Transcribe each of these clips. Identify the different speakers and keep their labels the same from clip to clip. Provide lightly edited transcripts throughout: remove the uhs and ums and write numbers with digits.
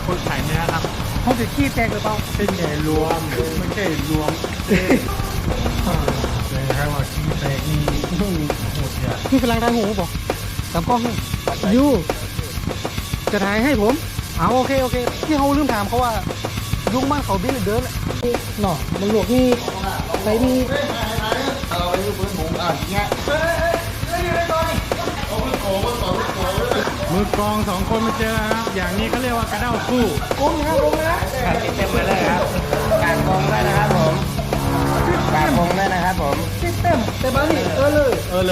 Speaker 1: คนขายเนื้อครับ
Speaker 2: เขาจะขี้แตกหรือเปล่า
Speaker 1: เส้นใหญ่รวมไม่ใช่รวมเลยครับว่าชี้แตกนี่โหดใหญ่
Speaker 2: พี่กำลังได้หูบอกตามกล้องยูจะถ่ายให้ผมเอาโอเคที่เขาลืมถามเขาว่ายุงบ้านเขาบินหรือเดินหน่อมันหลวกนี่ไหนมี
Speaker 3: เอาไปอยู่บนหมูเนี่ย
Speaker 1: มือกองสองคนมาเจอครับอย่างนี้เขาเรียกว่ากระเด้าคู่
Speaker 2: โกงนะโกงนะ
Speaker 3: การติดเต็มไปเลยครับการกงได้นะครับผมการกงได้นะครับผม
Speaker 2: ซิสเต็มแต่บ้านนี่เลย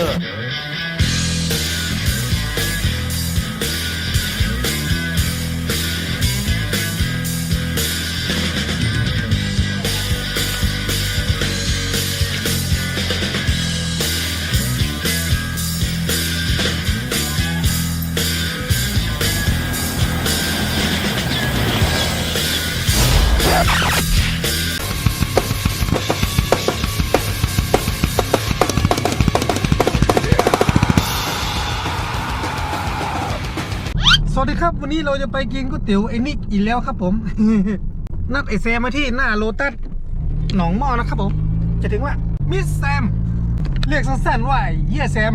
Speaker 2: สวัสดีครับวันนี้เราจะไปกินก๋วยเตี๋ยวไอ้นิกอีกแล้วครับผม นัดไอแซมมาที่หน้าโลตัสหนองหม้อนะครับผมจะถึงว่ามิสแซมเรียกสั้นๆว่าเยี่ยแซม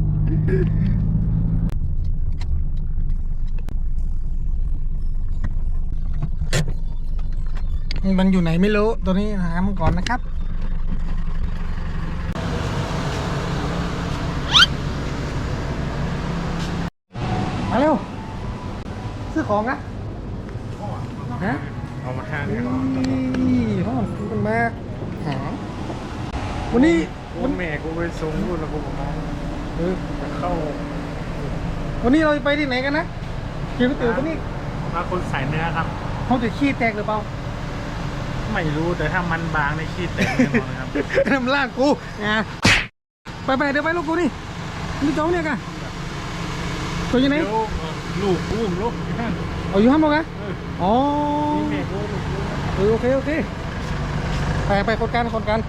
Speaker 2: มันอยู่ไหนไม่รู้ตัวนี้หามันก่อนนะครับมาเร็วซื้อของนะฮะ
Speaker 1: เอามาห้าง
Speaker 2: นี่ห้องมันมาหาวันนี้
Speaker 1: วันแม่กูไปส่งลูกแล้วกูบอกมา
Speaker 2: เออ
Speaker 1: จะเข้า
Speaker 2: วันนี้เราไปที่ไหนกันนะกินก๋วยเตี๋ยววันนี้
Speaker 1: มาคนขายเนื้อครับ
Speaker 2: เขาจะขี้แตกหรือเปล่า
Speaker 1: ไม่รู้แต่ถ้ามันบางในขี้แตกแน่นอนครับ
Speaker 2: น้ำลาดกูอ่ะไปเดี๋ยวไปลูกกูนี่นี่จ้องเนี่ยกันตัวยังไง
Speaker 1: เดี๋ยวลูกอุ้มลูก
Speaker 2: เอาอยู่ห้องมั้งกันอ๋อ
Speaker 1: นี่แม่กูลูก
Speaker 2: โอเคไปคนกัน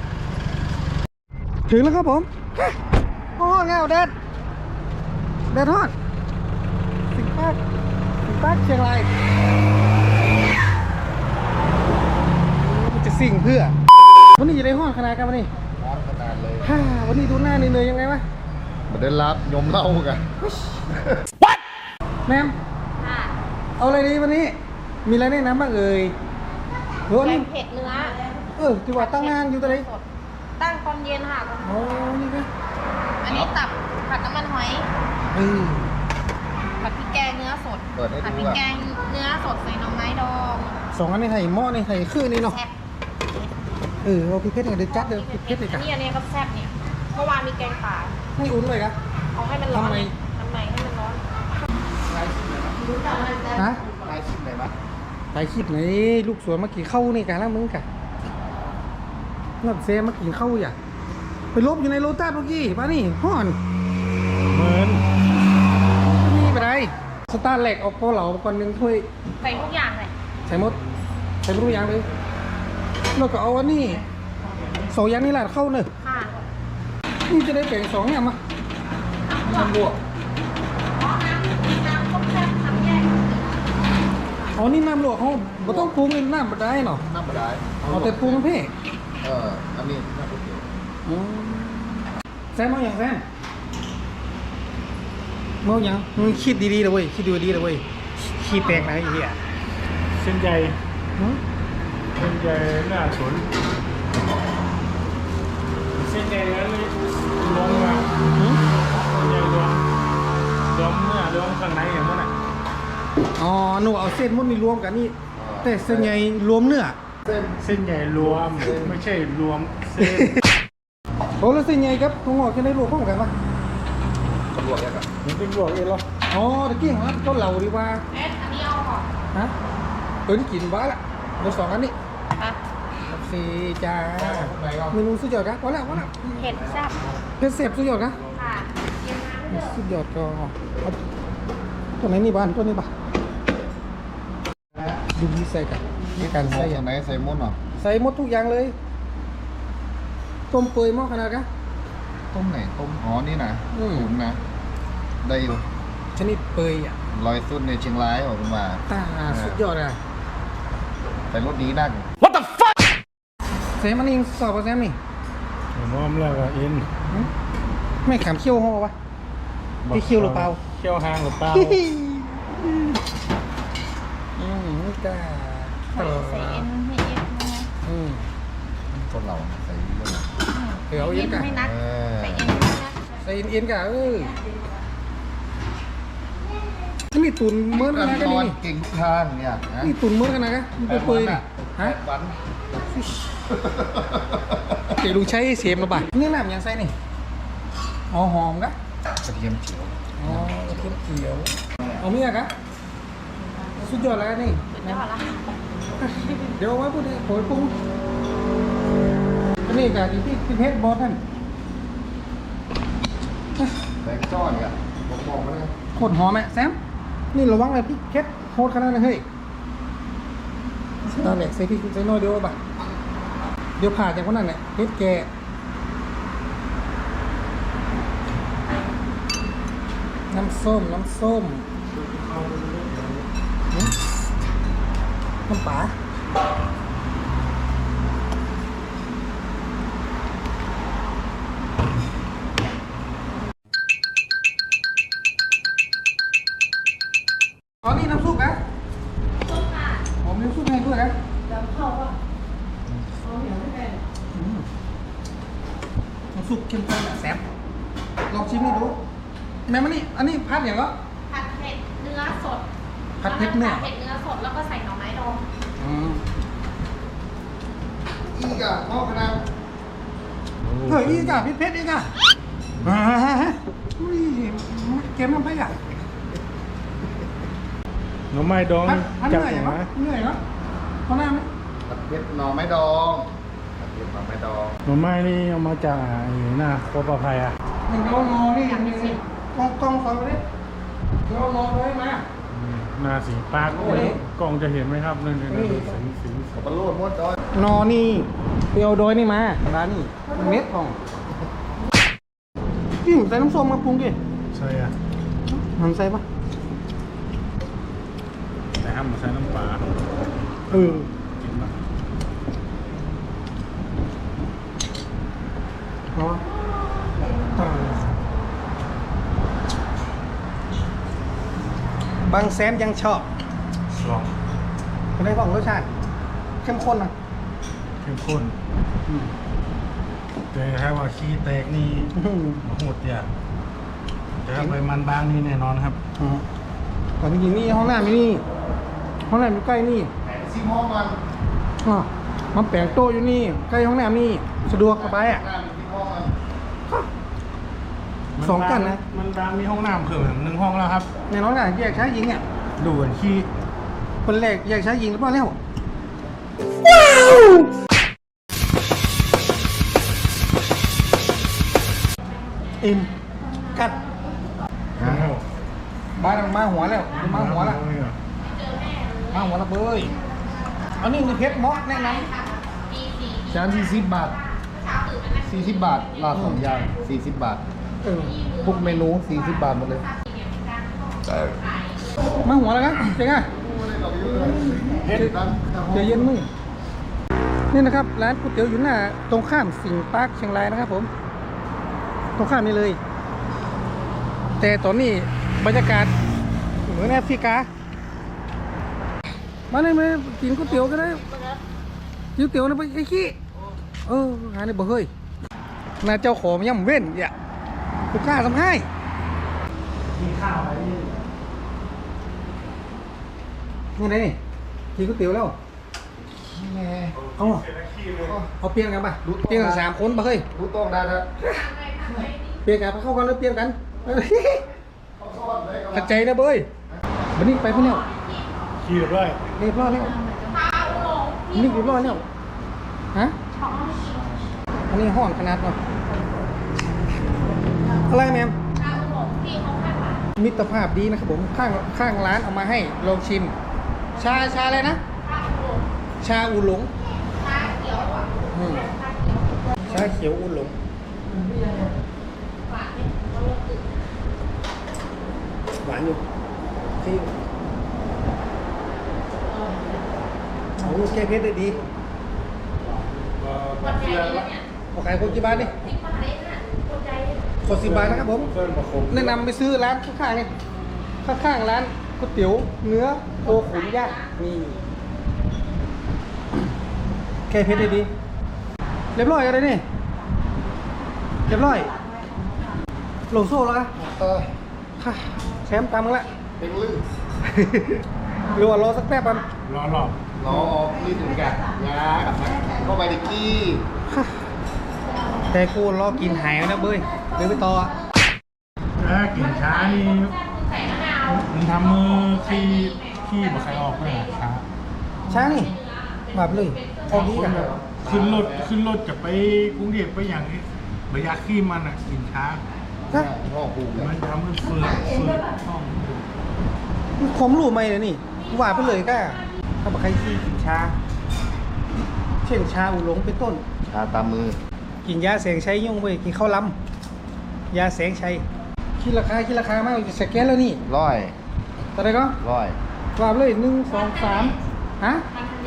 Speaker 2: ถึงแล้วครับผมโอ้เงาแดดทอดสิงปากเชียงรายมันจะสิ่งเพื่อวันนี้อยู่ในห้องขนาดกันวันนี้
Speaker 3: ร้อนขนาดเลย
Speaker 2: วันนี้ดูหน้าเหนื่อยๆยังไงวะ
Speaker 3: มาได้รับยมเล่ากัน
Speaker 2: แมมเอาอะไรดีวันนี้ มีอะไรแนะนำบ้างเอ่ยหรือว่า
Speaker 4: แก
Speaker 2: นี่
Speaker 4: งเผ็ดเนื้อ
Speaker 2: ที่ว่าตั้งนานอยู่ตัวไหน
Speaker 4: ตั้งตอนเย็นค่ะ
Speaker 2: อ๋อนี่ก็
Speaker 4: อันนี้ตับผัดน้ำมันหอย
Speaker 2: เออ
Speaker 4: ผัดพริกแกงเนื้อสด
Speaker 3: เปิดให้
Speaker 4: ผัด
Speaker 3: ดู
Speaker 4: พริก
Speaker 3: อ่ะ
Speaker 4: แกงเนื้อสดใส่หน่อไม้ดอง
Speaker 2: สองอันนี้ไทยหม้อนี่ไทยคือนี่เนาะ
Speaker 4: แซ่บ
Speaker 2: เอาพริกเผ็ดเนี่ยเดี๋ยวจัดเดี๋ยวพริกเผ็ดเลยกัน
Speaker 4: อันนี้ก็แซ่บเนี่ยเมื่อวานมีแกงป่า
Speaker 2: ให้อุ่นเลยครับ
Speaker 4: เอาให้มันร้อน
Speaker 2: ทำไม
Speaker 4: ทำไมให้มันร้อน
Speaker 2: ฮะ
Speaker 3: ได้ชิมเลยมั้ย
Speaker 2: ไปคลิปไหนลูกสวนมากินข้าวนี่กันแล้วมึงกะนัดเซมากินข้าวอย่าไปลบอยู่ในโลตัสเมื่อกี้มานี่ห่อน
Speaker 1: เหมือน
Speaker 2: นี่ไปไหนสตาร์แหลกออกโปเหลาก่อนหนึ่งถ้วย
Speaker 4: ใส่ทุกอย่างเลย
Speaker 2: ใส่หมดใส่ไม่รู้อย่างเลยแล้วก็เอาอันนี้สองอย่างนี่แหละเข้าเนอะ
Speaker 4: ค่ะ
Speaker 2: นี่จะได้แบ่งสองอย่างมาทำบวก
Speaker 4: อ๋อน้ำต้มแซ่บทำแยก
Speaker 2: อ๋อนี่น้ำลวกเขาไม่ต้องปรุงเลยน้ำมาได้เนาะ
Speaker 3: น้ำมาได้
Speaker 2: เอาแต่ปรุงเพ่
Speaker 3: อันนี้น้ำก๋วยเตี๋ยว
Speaker 2: แซมเอาอย่างแซมเมาอย่างมึงคิดดีๆเลยเว้ยคิดดีๆเลยเว้ยขี้แตกนะไอ้เหี้ย
Speaker 1: เส้นใหญ่
Speaker 2: หือ
Speaker 1: เส้นใหญ่หน้าสนเส้นใหญ่นั้นเลยลงมา
Speaker 2: หือ
Speaker 1: เส้นใหญ่รวมเนื้อรวมข้างในอย่างนั้นอ่ะ
Speaker 2: อ๋อหนูเอาเส้นมดนี่รวมกันนี่แต่เส้นใหญ่รวมเนื้อ
Speaker 1: เส้นใหญ่รวมไม่ใช่รวมเส้น
Speaker 2: โอ้แล้วเส้นใหญ่ครับถั่วงอกจะได้รวมพร้อมกันปะ
Speaker 3: ตำรวจเนี่ยครับ
Speaker 1: มันเป็นบวกเองเหรอ
Speaker 2: อ๋อตะกี้ของร้านเกาเหลาดีกว่า
Speaker 4: อันนี้เอาก่อน
Speaker 2: ฮะนี่กินบ้าละเราสองอันนี้
Speaker 4: ค่ะ
Speaker 2: สีจ้าเมนูสุดยอดครับพอแล้ว
Speaker 4: เผ็ดแซ่บ
Speaker 2: เพชรเสพสุดยอดครับ
Speaker 4: ค่ะเย็นน้ำ
Speaker 2: สุดยอดก็เอาตัวไหนนี่บ้านตัวนี้บ้าดูนี่ใส่กันในการ
Speaker 3: ใส่
Speaker 2: ใส่
Speaker 3: อย่างไหนใส่มดเนาะ
Speaker 2: ใส่หมดทุกอย่างเลยต้มเปื่อยหม้อขนาดกัน
Speaker 3: ต้มไหนต้มอ๋อนี่นะ
Speaker 2: อืม
Speaker 3: ตุ๋นนะได้อยู่
Speaker 2: ชนิดเปื่อยอ่ะ
Speaker 5: ลอยสุดในเชียงรายผมมา
Speaker 2: ตาสุดยอดเลย
Speaker 5: แต่รถดีนัก
Speaker 2: เซมอันนี้สอบป่ะแซมนี่
Speaker 1: พร้อมแล้วก็เอ็น
Speaker 2: ไม่ขำเขี้ยวห่อปะพี่เขี้ยวหรือเปล่า
Speaker 1: เขี้ยวหางหรือเปล่า
Speaker 2: จ้า
Speaker 4: ใส่เอ็นให้เอ็นนะ
Speaker 5: คนเราใส่เรื่อง
Speaker 2: เดี๋ยวเอ็นกัน
Speaker 4: ไม่นัก
Speaker 5: เออ
Speaker 4: ใส่เอ็นไม่นัก
Speaker 2: ใส่เอ็นกันนี่ตุนเมื่อกันนะกัน
Speaker 5: นอน
Speaker 2: นี่
Speaker 5: เก่งทุกทางเนี่ยนะ
Speaker 2: นี่ตุนเมื่อกันนะกันมันเปื่อยฮะ
Speaker 5: วัน
Speaker 2: เดี๋ยวลุงใช้เสียมระบาดนี่น้ำยังใส่นี่อ๋อหอมกะ
Speaker 5: กระเทียมเขียว
Speaker 2: อ๋อกระเทียมเขียวเอาเมียกะสุดยอดแล้วนี่
Speaker 4: สุดยอดละ
Speaker 2: เดี๋ยวเอาไว้พูดเลยโผล่ปรุงอันนี้กะที่เพชรบอสนั่น
Speaker 5: แบงจ้อนอ่ะบอกมาเลย
Speaker 2: โคตรหอมแม่แซมนี่ระวังเลยพี่เพชรโคตรขนาดนั้นเฮ้ยนั่นแหละใส่พี่ใส่น้อยเดียวป่ะเดี๋ยวผ่าจากคนนั้นแหละเพชรแกน้ำส้มน้ำปลาอ๋อนี่น้ำซุปนะผมน้ำซุปให้ด้วยนะน้ำซุปเข้มข้นแบบแซ่บลองชิมนี่ดูแม่มันนี่อันนี้พัดอย่างก็
Speaker 4: ผัดเผ็ดเนื้อสด
Speaker 2: ผัดเผ็ดเนื้อ
Speaker 4: ผัดเผ็ดเนื้อสดแล้วก็ใส่หน่อไม้ดอง
Speaker 5: อีกอ่ะพ่อคณะ
Speaker 2: เฮ้ยอีกอ่ะเพชรอีกอ่ะอุ้ยเกมน้ำไผ่อ่ะ
Speaker 1: หน่อไม้ดอง
Speaker 2: พัด
Speaker 1: จับ
Speaker 2: เหนื่อย
Speaker 1: หัว
Speaker 2: เหรอเหนื่อยเหรอเขาหน้าไหม
Speaker 5: ผัดเผ็ดหน่อไม้ดองผัดเผ็ดหน่อไม้ดอง
Speaker 1: หน่อไม้นี่เอามาจากไอ้หน้าโคปะไพอ่ะ
Speaker 2: หนึ่งเรางอนี่อย่างนี้กล้องฟังไปดิเรางอเลยมา
Speaker 1: หน้าสีปากกล้องจะเห็นไหมครับนั่นคือสี
Speaker 5: ขับปลาโลดมดดอย
Speaker 2: นอนี่เปียวโดยนี่มาร้านนี่เม็ดของพี่ใส่น้ำส้มมาปรุงดิ
Speaker 1: ใช่อ่ะ
Speaker 2: หันใส่ปะ
Speaker 1: แต่ห้ามมาใช้น้ำปลา กินมา
Speaker 2: เนาะบางแซมยังชอบ
Speaker 1: ลอง
Speaker 2: เป็นไงบ้างรสชาติเข้มข้นนะ
Speaker 1: เข้มข้นแต่ถ้าว่าขี้แตกนี่โหดเนี่ยแต่ถ้าไปมันบางนี่แน่นอนครับ
Speaker 2: ตอนนี้นี่ห้องน้ำนี่ห้องน้ำอยู่ใกล้นี่
Speaker 5: ซิมห้องมัน
Speaker 2: อ๋อมันแปลงโต๊ะอยู่นี่ใกล้ห้องน้ำนี่สะดวกสบายอ่ะ
Speaker 5: หน้ามันซิมห้องมัน
Speaker 2: สองกันนะ
Speaker 1: มันบางมีห้องน้ำเพิ่มหนึ่งห้องแล้วครับ
Speaker 2: ในน้องน่ะแยกชายหญิงอ่ะ
Speaker 1: ดูดขี้
Speaker 2: คนแรกแยกชายหญิงหรือเปล่าแล้วอิ่มกัดมาหัวแล้วมาหัวละมาหัวละเบยอันนี้มีเพชรเมาะแนะน
Speaker 5: จาน40 บาท40 บาทลาดสองอย่าง40 บาท
Speaker 2: ำ
Speaker 5: ทุกเมนู40 บาทหมดเลย
Speaker 2: มาหัวแล้วกันเจ๊งอ่ะ
Speaker 5: เผ็ดนะ
Speaker 2: เจเย็นมึงนี่นะครับร้านก๋วยเตี๋ยวอยู่หน้าตรงข้ามสิงห์ปาร์คเชียงรายนะครับผมตรงข้ามนี้เลย แต่ตอนนี้บรรยากาศเหมือนแอฟริกามาเลยมากินก๋วยเตี๋ยวกันเลยก๋วยเตี๋ยวนะไปไอ้ขี้หาในบ่เฮ้ยน่าเจ้าของย่ำเว้นอย่ากูกล้าทำให้
Speaker 1: กินข้าวอะไรนี่
Speaker 2: นี่ไงนี่กินก๋วยเตี๋ยวแล้ว
Speaker 5: แม่
Speaker 2: เอาเปลี่ยนกันป่ะเปลี่ยนกัน3 คนป่ะเฮ้ย
Speaker 5: รู้ต้องได้นะ
Speaker 2: เปลี่ยนกันเข้ากันแล้วเปลี่ยนกันขัดใจนะเบยวันนี้ไปพี่เนี่ย
Speaker 1: ขี้เรียบร้อย
Speaker 2: เรียบร้อยแล้วนี่เรียบร้อยแล้วฮะอันนี้ห้อนขนาดเนาะอะไรแมมมิตรภาพดีนะครับผมข้างร้านเอามาให้ลองชิม ชาอะไรนะ ชาอูหลงชาเขียวอูหลงหวานอยู่ซีอิ๊วโอ้แก้เผ็ดได้ดี
Speaker 4: คนใจเลยเนี่ย
Speaker 2: ขอขายคนกี่บาทนี่
Speaker 4: 10 บาทเองน่ะคนใจ
Speaker 2: ขอ10 บาทนะครับผม
Speaker 1: เพิ่มมาคม
Speaker 2: แนะนำไปซื้อร้านข้างๆนี่ข้างๆร้านก๋วยเตี๋ยวเนื้อโคขุนย่างนี่แก้เผ็ดได้ดี เรียบร้อยอะไรนี่เรียบร้อยลงโซ่แล้วอะ ค่ะแชมป์ตามมึงละ
Speaker 5: เป็นลื่น
Speaker 2: หรือว่ารอสักแป๊บมัน
Speaker 1: รอรอบ
Speaker 5: ล้อออกลื่นถึงกันยากับมันเข้าไปในกี้
Speaker 2: แต่กูรอกินหายแล้วนะเบ้ยเดินไปต่ออะ
Speaker 1: กินช้านี่
Speaker 4: ใส่มะนาว
Speaker 1: มันทำมือขี้บ่ใครออกเลยช้า
Speaker 2: ช้านี่มาไปเลยออกนี้กัน
Speaker 1: ขึ้นรถจะไปกรุงเทพไปอย่างนี้ระยะขี้มันอ่ะกินช้า
Speaker 2: ฮะ
Speaker 5: พ่อภูมิ
Speaker 1: มันทำให้เฟืดช่อง
Speaker 2: ผมรู้ไหมเลยนี่ว่าไปเลยก็ถ้าบอกใครที่กินชาเช่นชาอุหลงเป็นต้น
Speaker 5: ชาตามมือ
Speaker 2: กินยาแสงชัยยุ่งไปกินข้าวล้ำยาแสงชัยคิดราคามากจะสแกนแล้วนี่
Speaker 5: ร้อย
Speaker 2: ตอนไหนก็
Speaker 5: ร้อย
Speaker 2: ว่าไปเลย1 2 3ฮะ
Speaker 4: มันทะเล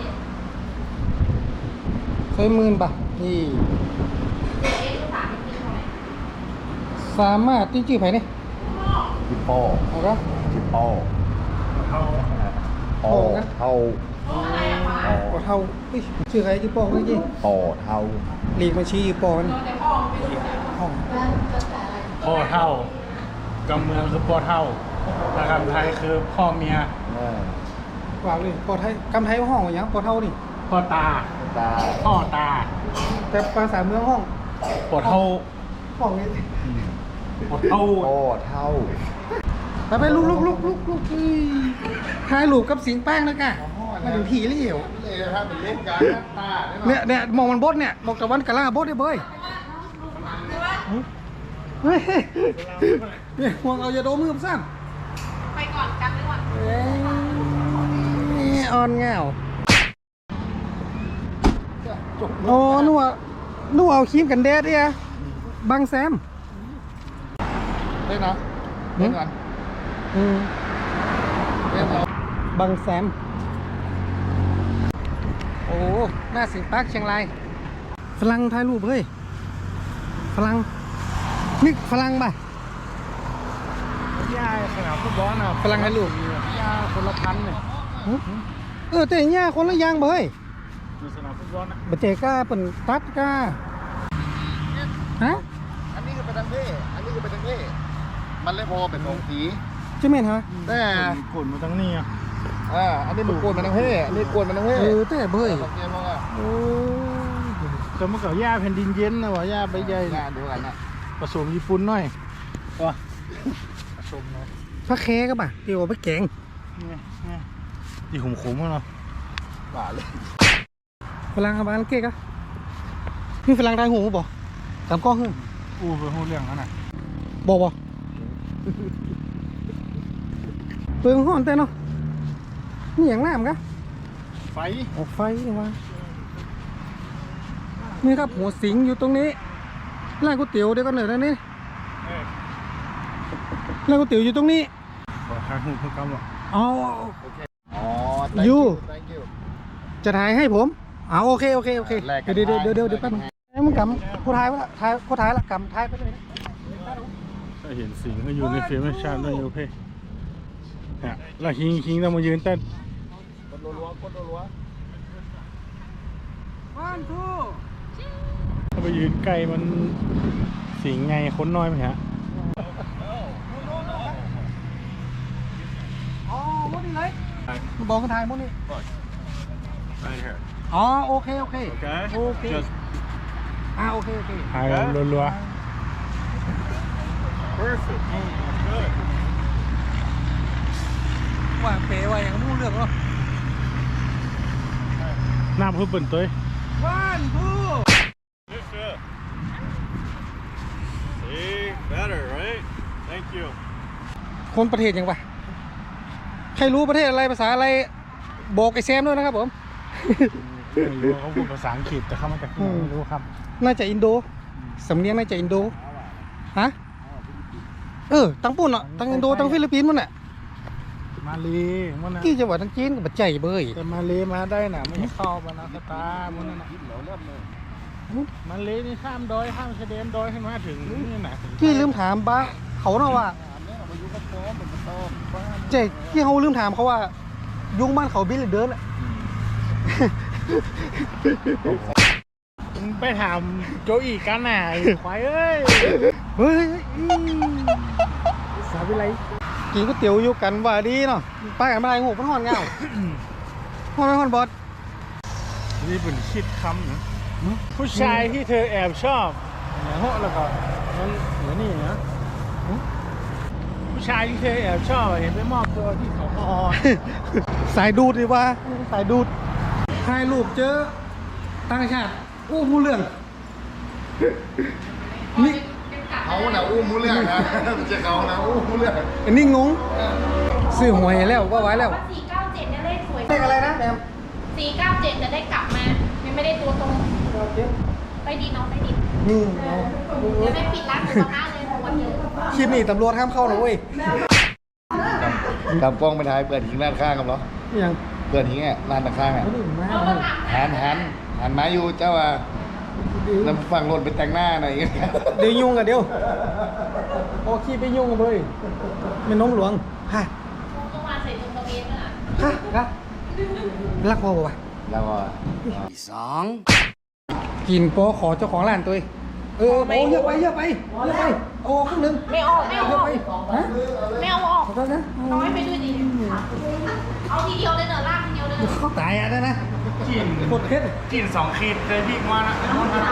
Speaker 2: ใช้10,000 บาทนี่
Speaker 4: เอ๊ะลูกสาวจริงๆเท่าไหร่
Speaker 2: สามารถที่จื้อไผนี่
Speaker 5: จิปโป้
Speaker 2: เอาก็
Speaker 5: จิปโป้
Speaker 1: เขา
Speaker 5: โป้เท่า
Speaker 4: โอ้อะไรอะคะ
Speaker 2: ปอเท่าเฮ้ยชื่อใครชื่อปองเมื่อกี้
Speaker 5: โป้เท่า
Speaker 2: ลีกมาชี้ปอน
Speaker 4: แต่พ่อไม่รู้จัก
Speaker 2: ห้อง
Speaker 1: พ่อเท่ากำเมืองคือพ่อเท่าถ้าคำไทยคือพ่อเมีย
Speaker 2: ว่าเลยปอไทยกำไทยห้องว่าหยังปอเท่านี่
Speaker 1: พ่อตา
Speaker 5: ตา
Speaker 1: พ่อตา
Speaker 2: แต่ภาษาเมืองห้อง
Speaker 1: ปวดเท่า
Speaker 2: ห้องนี้
Speaker 1: ปวดเท่า
Speaker 5: โป้เท่า
Speaker 2: ไปลุกเฮ้ยถ่ายรูปกับสิงแป้งนะกะมาถึงผีเลยเหรอ
Speaker 5: เลยครับเป็นเล่นการตา
Speaker 2: เนี่ยมองมันบดเนี่ยมองตะวันกะล่าบดได้เบ้ยเฮ้ยเนี่ยมองเอาอย่าโดนมือผมสั้น
Speaker 4: ไปก่อนกันไปก่อน
Speaker 2: เอ้ยอ่อนเงาโอ้นัวเอาครีมกันแดดเนี่ยบังแซม
Speaker 5: เล่นนะเล่นกัน
Speaker 2: อืม
Speaker 5: เล่นเอา
Speaker 2: บังแซมโอ้หน้าสิงปาร์คเชียงรายฝรั่งถ่ายรูปเฮ้ยฝรั่งนี่ฝรั่งป่ะ
Speaker 1: ย่าสนามฟุตบอลน่ะ
Speaker 2: ฝรั่งถ่ายรูป
Speaker 1: ย่าคนละพันเนี่ย
Speaker 2: แต่เนี่ยคนละอย่างเบ้ย
Speaker 1: อยู่สนามฟุตบอลนะ
Speaker 2: บัเจก้าเป็นตัดก้าฮะ
Speaker 5: อันนี้คือเป็นทางเท่อันนี้คือเป็นทางเท่มันเลยพอเป็นสองสี
Speaker 2: ใช่ไหมฮะ
Speaker 5: แต่
Speaker 1: กดมาทั้งนี้อ่ะ
Speaker 5: อันนี้มันกวนมันทางเท่อันนี้กวนมันทางเท่
Speaker 2: แต่เบ้ย
Speaker 5: สังเกตว่า
Speaker 2: โอ้
Speaker 1: แต่เมื่อก่อนย่าแผ่นดินเย็นนะวะย่าใบใหญ่
Speaker 5: งานดูกันนะ
Speaker 1: ผสมญี่ปุ่นหน่อยว่ะผสมหน่อย
Speaker 2: พระแคก็ป่ะเดี๋ยวเอาไปแกง
Speaker 1: นี่ดีขมๆกันเนาะ
Speaker 5: ป่าเลย
Speaker 2: ฝรั่งเอาบ้านเก๊กอะนี่ฝรั่งทายหูบ่ตามกล้องขึ้น
Speaker 1: อู้ไปหูเรื่องนั้นน่ะ
Speaker 2: บ่เปลืองห้อนแต่เนาะนี่อย่างน้ำกะ
Speaker 1: ไฟ
Speaker 2: ออกไฟนี่วะนี่ครับหัวสิงอยู่ตรงนี้ร้านก๋วยเตี๋ยวเดี๋ยวกันหน่อยนะนี่ร้านก๋วยเตี๋ยวอยู่ตรงนี้
Speaker 1: ขอทางหูเพื่อกำหรอ
Speaker 2: อ๋อ
Speaker 5: อ๋อ
Speaker 2: you
Speaker 5: thank you
Speaker 2: จะถ่ายให้ผมโอเค
Speaker 5: แลกกัน
Speaker 2: เดี๋ยว
Speaker 5: ได้
Speaker 2: แป๊บนึงมึงกำกูถ่ายไว้ละกูถ่ายละกำถ่ายไปเลยนะ
Speaker 1: ถ้าเห็นสิงก็อยู่ในฟิล์มชาติด้วยโอเคเนี่ยแล้วคิงต้องมายืนเต้น
Speaker 5: กดรัวๆกดรัว
Speaker 2: one two
Speaker 1: ถ้าไปยืนใกล้มันสิงไงคนน้อยไหมฮะ
Speaker 2: อ๋อมดนี่เลยมึงบอกกันถ่ายมดนี่
Speaker 1: Right here
Speaker 2: อ๋อโอเค
Speaker 1: Okay
Speaker 2: โอเค
Speaker 1: Just
Speaker 2: โอเค
Speaker 1: ถ่ายกันรัว
Speaker 5: perfect
Speaker 2: ว่าเป๋ว่าอย่างนู้นเรื่องหรอ
Speaker 1: ๆหน้าเพื่อเปิ่นตัว
Speaker 2: one two
Speaker 6: See, better, right? Thank you.
Speaker 2: คนประเทศยังปะใครรู้ประเทศอะไรภาษาอะไรบอกไอ้แซมด้วยนะครับผม
Speaker 1: ไม่รู้เขาพูดภาษาอังกฤษแต่เขามาจากที่ไหนไม่รู้ครับ
Speaker 2: น่าจะอินโดสำเนียงน่าจะอินโดฮะตั้งปุ่นอ่ะตั้งอินโดตั้งฟิลิปปินส์มันอ่ะ
Speaker 1: มมาเลมันนะ
Speaker 2: กี่จังหวัดทั้งจีนกับปัจจัยเบย
Speaker 1: แต่มาเลมาได้น่ะไม่เข้ามานาคตามันนั่นน่ะมาเลนี่ข้ามดอยข้ามชายแดนดอยขึ้นมาถึงนี่น่ะ
Speaker 2: กี่ลืมถามบ้าเขาเนาะว่าเจ๊กี่เขาลืมถามเขาว่า ยุงบ้านเขาบินหรือเดินอะ
Speaker 1: มึงไปถามโจอีกันน่ะไอ้ควายเอ้ย
Speaker 2: เฮ้ย
Speaker 1: สาวิไล
Speaker 2: กินก๋วยเตี๋ยวอยู่กันว่าดีเนาะไปกันมาไรหูมันห่อนเงาห่อนไหมห่อนบอส
Speaker 1: นี่เป็นคิดคำนะผู้ชายที่เธอแอบชอบเนี่ยโหแล้วก็มันเหมือนนี่นะผู้ชายที่เธอแอบชอบเห็นไปมอบตัวที่เขาพอ
Speaker 2: สายดูดดีว่าสายดูดถ่ายรูปเจอต่างชาติโอ้มูเรื่องนี่
Speaker 5: เขาน่ะอู้มูเรื่องนะไม่ใช่เขานะอู้มูเรื่อง
Speaker 2: อันนี้งงซื้อหวยแล้วว่าไว้แล้ว
Speaker 4: 497เนี่ยเลขสวย
Speaker 2: เลขอะไรนะแอม
Speaker 4: 497จะได้กลับมายังไม่ได้ตัวตรงไปดีน้องไปดี
Speaker 2: นี่
Speaker 4: ยังไม่ปิดร้านหมูกระทะเลยวันเยอะ
Speaker 2: คลิปนี้ตำรวจห้ามเข้านะเว้ย
Speaker 5: กำกล้องไปถ่ายเปิดหิงด้านข้างกันเหรอ
Speaker 2: นี่ยัง
Speaker 5: เปิดหิงอ่ะร้านด้านข้างอ่ะ
Speaker 2: ไม่ได้มา
Speaker 4: เอามาถาม
Speaker 5: หันมาอยู่เจ้าว่าแล้วฝั่งรถไปแต่งหน้าหน่อย
Speaker 2: เดี๋ยวยุ่งกันเดี๋ยวโอ้ขี้ไปยุ่งกันเลยไม่น้มหลวงฮะ
Speaker 4: ต้องมาใส่ตรงตะเวนน่ะ
Speaker 2: ฮะรักรักพ่อป่ะ
Speaker 5: แล้วก็
Speaker 2: กินโปขอเจ้าของร้านตัวเองโอ้เยอะไปโอ้ครึ่งนึง
Speaker 4: ไม่ออกไม่เอาออก
Speaker 2: ฮะ
Speaker 4: ไม่เอาออก
Speaker 2: ขอโทษนะ
Speaker 4: น้อยไปด้วยดิเอาทีเดียวเลยเนอะลากทีเดียวเลย
Speaker 2: เขาตายอ่ะนะ
Speaker 1: กิน
Speaker 2: โคตรเผ็ด
Speaker 1: กิน2 ขีดเลยพี่มานะ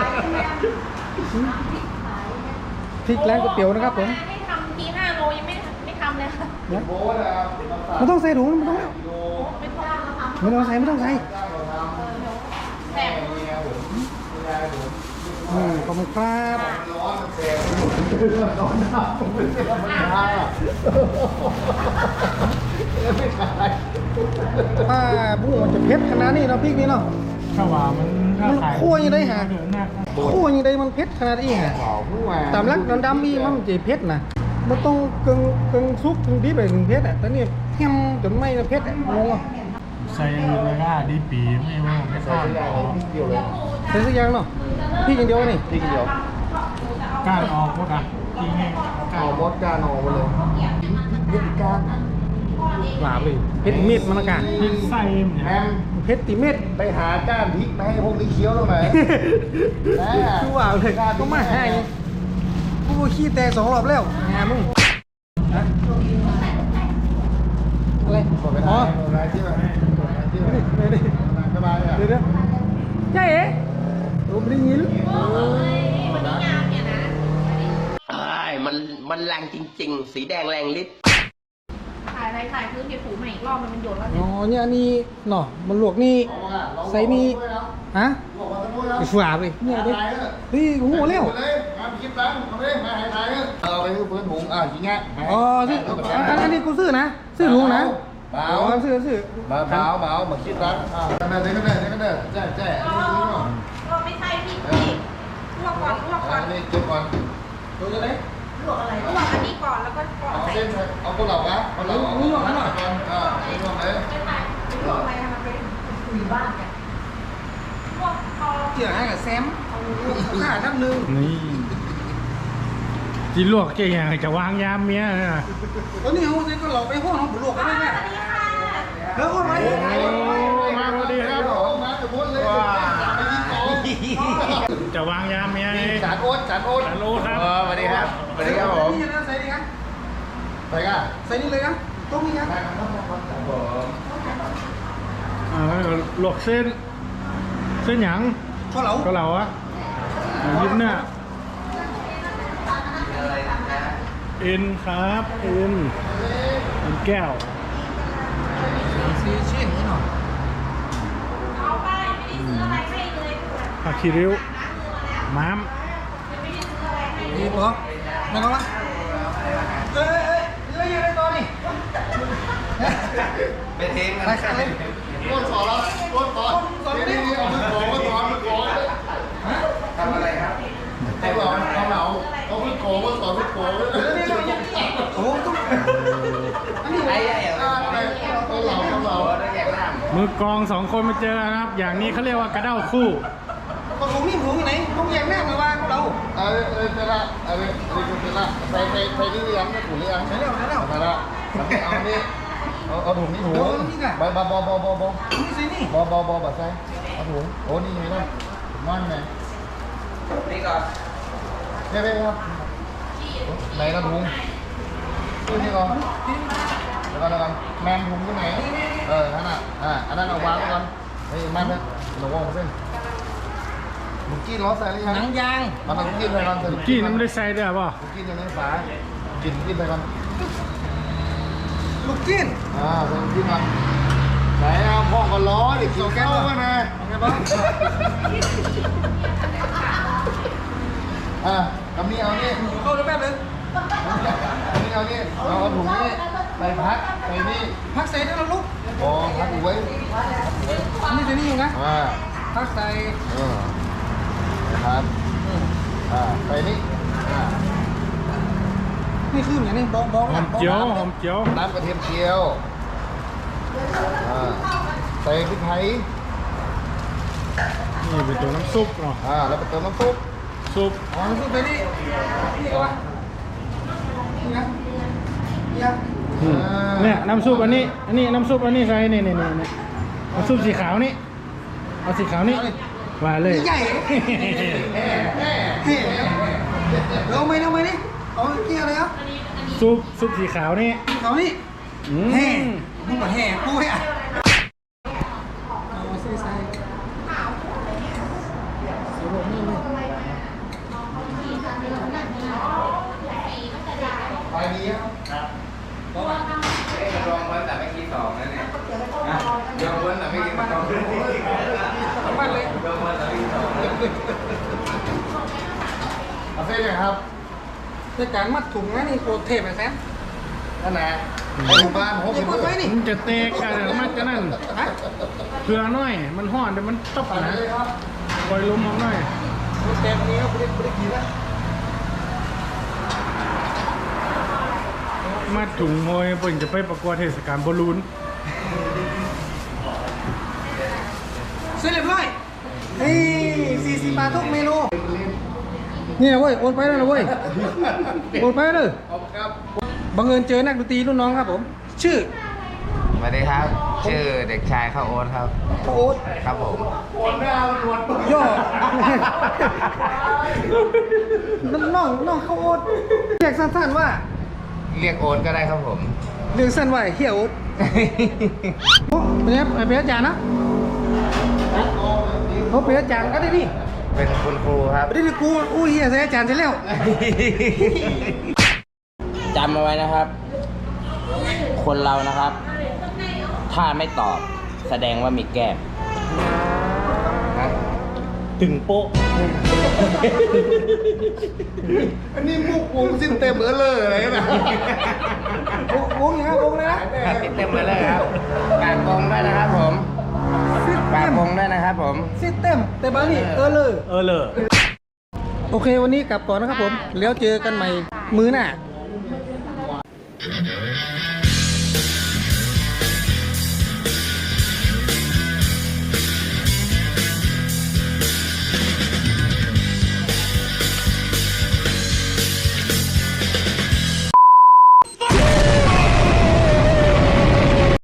Speaker 2: พริกแรงก๋วยเตี๋ยวนะครับผม
Speaker 4: ให้ทำที5 โลยังไม่ทำเลยค่ะ
Speaker 5: โบ๊ทอ่ะ
Speaker 2: มันต้องใส่ถุงมันต้อง
Speaker 4: ไม่ต้องทำ
Speaker 2: ไม่ต้องใส่ไม่ต้องใส่
Speaker 4: แบบ
Speaker 2: ขอบคุณครับ
Speaker 5: ร้อนแสบร้อนหน้าผมไม่ได้ธรรมดาไม่ขาย
Speaker 2: บุ้งมันจะเผ็ดขนาดนี้เนาะพริกนี่เนาะ
Speaker 1: ถ้าว่ามันถ้าขาย
Speaker 2: คั่วยังได้หา
Speaker 1: เดือนหน้า
Speaker 2: โอ้ยังได้มันเผ็ดขนาดนี้ฮะ
Speaker 5: หล่อผู้ว่า
Speaker 2: ตามรักน้ำดำอีมันจะเผ็ดนะมันต้องกึ่งซุปกึ่งดิบไปถึงเผ็ดอ่ะแต่นี่แฮมจนไม่เผ็ดอ่ะงงอ่ะ
Speaker 1: ใส่อื่นเลยก็ดีปีไม่ว่าไม่ทอด
Speaker 5: เดียวเลย
Speaker 2: ใส่สักอย่างเนาะพริกอย่างเดียวนี่
Speaker 5: พี่เดียว
Speaker 1: ก้านออกพวกอ่ะจริงไงก้าน
Speaker 5: เอา
Speaker 1: ออก
Speaker 5: มดการออกมาเลยยึดการ
Speaker 2: หลาบเลยเผ็ดเม็ดมันอากาศ
Speaker 1: พริกไส้มัน
Speaker 5: แฮ
Speaker 1: เนี่ย
Speaker 5: ม
Speaker 2: เผ็ดติเม็ด
Speaker 5: ไปหาก้านพริกมาให้พวกนี้เคี้ยวตรงไหน
Speaker 2: คือว่าเลยก็มาให้กูขี้แตก2 รอบแล้วงานมึงฮะอะไร
Speaker 5: ขอไป
Speaker 2: อ๋อ
Speaker 5: ได้ที่แบบที่แบบ
Speaker 2: เดี๋ยว
Speaker 5: สบายอ่ะ
Speaker 2: เดี๋ยวใช่เอ๋ผมได้ยิน
Speaker 4: วันนี้งานเนี่ยนะ
Speaker 3: มันแรงจริงๆ สีแดงแรงฤทธิ์
Speaker 4: ถ่ายอะไรถ่ายพื้นเดี๋ยวถูใหม่อีกรอบมันโยนแล้ว
Speaker 2: อ๋อเนี่ยอันนี้เนาะมันลวกนี่ใส่นี่ฮะไอ้ฝาไปเนี่ยดิเฮ้ยโอ้โหเร็ว
Speaker 5: มาคลิปตั้งเอาไปมาหายทายเอาไปเพื่อนผมจริงอ่ะ
Speaker 2: อ๋อซื้ออันนี้กูซื้อนะซื้อถุงนะ
Speaker 5: เบา
Speaker 2: อ๋อซื้อ
Speaker 5: เบามาคิดตั้งกันเด้กันเด้แจ้
Speaker 4: ก็ไม่ใช่พี่ลวกก่อนลวกก่อน
Speaker 5: นี่จุดก่อน
Speaker 2: ดูจะได้
Speaker 4: ลวกอะไรลวกอันนี้ก่อนแล้วก็ก่อน
Speaker 5: เอา
Speaker 4: ใส่
Speaker 5: เส้นเอาตัวเหล่านะเอาเหล่าก่อนนี่ลงเลย
Speaker 4: ไม่ใส่ลวกอะไรทำมาเป็นคุยบ้านเนี่ยลวกพอ
Speaker 2: เกี่ยวให้กับแซมข้าทับนึง
Speaker 1: นี่จีลวกเก่งอย่างจะวางยามเมียนะ
Speaker 2: ตอนนี้เขาใส่ก็หลอกไปห้องเขาบุลวกกันได้ไหม
Speaker 4: สวัสดีค่ะ
Speaker 2: แล้วคนไหน
Speaker 1: มาพอดีครับ
Speaker 5: มาจะพูดเลย
Speaker 1: จะวางยามเมีย
Speaker 5: จานโอ๊ต
Speaker 1: จานโอ๊ตครับ
Speaker 5: สวัสดีครับสวัสดีครับผม
Speaker 2: นี่นะใส่นี่ครับ
Speaker 5: ไปกัน
Speaker 2: ใส่นี่เลยครับต้มนี่ครับ
Speaker 1: ลวกเส้นหยัง
Speaker 2: ข้าวเหลา
Speaker 1: ก็เหลาอะยิ้มเนี่ยเอ็นครับเอ็นแก้ว
Speaker 2: ซีชิ้นนี่หน่อย
Speaker 4: เอาไปไม่ได้ซื้ออะไรให้เลย
Speaker 1: ผักขี้ริ้วม้าม
Speaker 4: ไม่ได้ซื้ออะไรให้
Speaker 2: นี่ปะไม่ต้องละเอ้ยเรื่องอะไรตัวนี่
Speaker 3: เป็นเทง
Speaker 2: ไปขันเลย
Speaker 5: โอ๊ตสอนแล้วโอ๊ตสอนนี่เอามือโกงสอนมือโกง
Speaker 3: ทำอะไรครับ
Speaker 5: เอาเหล่าเอามือโกงสอนมือโกง
Speaker 2: โอ้ต้องอันนี้
Speaker 3: ไอ้
Speaker 5: แต่
Speaker 1: มือกลองสองคนมาเจอกันนะครับ อย่างนี้เขาเรียกว่ากระเด้าคู่
Speaker 2: ผมนี่ผมอยู่ไหนผมแยกแน่มาว่าเรา
Speaker 5: เสร็จละเสร็จละใส่นี่หรือยังถุงหรือยังใส่แล้วเสร็จละเอานี่เอาถุงนี่ถุงบอนี่ใส่นี่บอใส่เอาถุงโอ้นี่ไงนะถุงมันไง
Speaker 3: นี่ก่อน
Speaker 5: เฮ้ยครับไหนกระถุงนี่ก่อนเดี๋ยวก่อนแมงถุงที่ไหนนั่นน่ะอันนั้นเอาวางไว้ก่อนเฮ้ยมันเนี่ยหนูวางเส้นลูกกี้ล้อใส่หรือยัง
Speaker 2: หนังยาง
Speaker 5: มันเอาลูกกี้ใส่ก่อน
Speaker 1: กี้น้ำไม่ได้ใส่ด้วยป่ะ
Speaker 5: ลูกกี้อยู่ในฝากินลูกกี้ใส่ก่อน
Speaker 2: ลูกจิ้น
Speaker 5: ใส่ลูกกี้มาไหนเอาพ่อก็ล้อดิกินข้าวมานะกำนี้เอานี่
Speaker 2: เข้าได้แป๊บนึง
Speaker 5: กำนี้เอานี่เอาถุงนี่ใส่พักใส่นี่
Speaker 2: พักใส่ได้แล้วลูก
Speaker 5: อ๋อพักอยู่ไว้
Speaker 2: นี่ใส่นี่อยู่นะพักใส่
Speaker 5: นะครับใส่นี่
Speaker 2: นี่คืออย่างนี้บ้อง
Speaker 1: หอมเจียวหอมเจียว
Speaker 5: น้ำกระเทียมเจียวใส่พริกไทย
Speaker 1: นี่เป็นตัวน้ำซุปเนาะ
Speaker 5: แล้วไปเติมน้ำซุป
Speaker 1: ซุป
Speaker 2: อ๋อมันคือไปนี่นี่ก็ว่านี่นะนี่นะ
Speaker 1: เนี่ยน้ำซุปอันนี้น้ำซุปอันนี้ใส่นี่น้ำซุปสีขาวนี่เอาสีขาวนี่ว่าเลย
Speaker 2: ใหญ่เอาไหมเอาไหมนี่เอาเกี่ยวเลยครับ
Speaker 1: ซุปสีขาวนี่
Speaker 2: เขานี่
Speaker 1: อืม
Speaker 2: แห่มึงมาแห่กูให้อ่ะเอาใส่
Speaker 5: ไปดีครับ
Speaker 3: ลองวันแต่ไม่คิดสองนั่นเนี่ยลองวันแต่ไม่คิดสอง
Speaker 2: มันเลย
Speaker 3: ลองวันแต่ไม่คิดสอง
Speaker 5: เอาเส้นเลยครับ
Speaker 2: ในการมัดถุงนะนี่โคตรเทพเลยแซม
Speaker 5: นั่นแหละไปหมู่บ้านหก
Speaker 2: นี่
Speaker 5: สิบ
Speaker 2: กดไว้นี่
Speaker 1: มันจะเตะกันมันจะนั่น
Speaker 2: ฮะ
Speaker 1: เผื่อหน่อย มันห่อนเดี๋ยวมันตบนะปล่อยลมออกหน่อย
Speaker 2: เต็มนี้ก็ไม่ได้กินแล้ว
Speaker 1: มาถุงมวยเปิ่นจะไปประกวดเทศกาลบอลลูน
Speaker 2: เสร็จเรียบร้อยนี่40 บาททุกเมนูนี่นะเว้ยโอนไปแล้วนะเว้ยโอนไปแล้วเลยบังเอิญเจอนักดนตรีรุ่นน้องครับผม ชื่อ
Speaker 3: สวัสดีครับ ชื่อเด็กชายข้าวโอ๊ตครับ
Speaker 2: โอ๊ต
Speaker 3: ครับผม
Speaker 2: ย่อน้องเขาโอ๊ตเรียกสั้นๆว่า
Speaker 3: เรียกโอ๊ตก็ได้ครับผม
Speaker 2: เรียกสั้นว่าเฮียโอ๊ตโอ้เป็นไงเป็นอาจารย์นะเขาเป็นอาจารย์ก็ได้ดิ
Speaker 3: เป็นคุณครูครับ
Speaker 2: ไม่ได้ดิกูอู้เฮียใส่อาจารย์ใช่แล้ว
Speaker 3: จำเอาไว้นะครับ คนเรานะครับ ถ้าไม่ตอบแสดงว่ามีแก้ม
Speaker 1: ถึงโป๊ะ
Speaker 5: อันนี้มุกวงสิ้นเต็มเลยอะไรนะ
Speaker 2: วงอย่างไรวงเลยนะ
Speaker 3: ติดเต็มไปเลยครับกากวงด้วยนะครับผมกากวงด้วยนะครับผม
Speaker 2: ซิสเต็มแต่บางนี่เลย
Speaker 1: เลย
Speaker 2: โอเควันนี้กลับก่อนนะครับผมแล้วเจอกันใหม่มื้อหน้า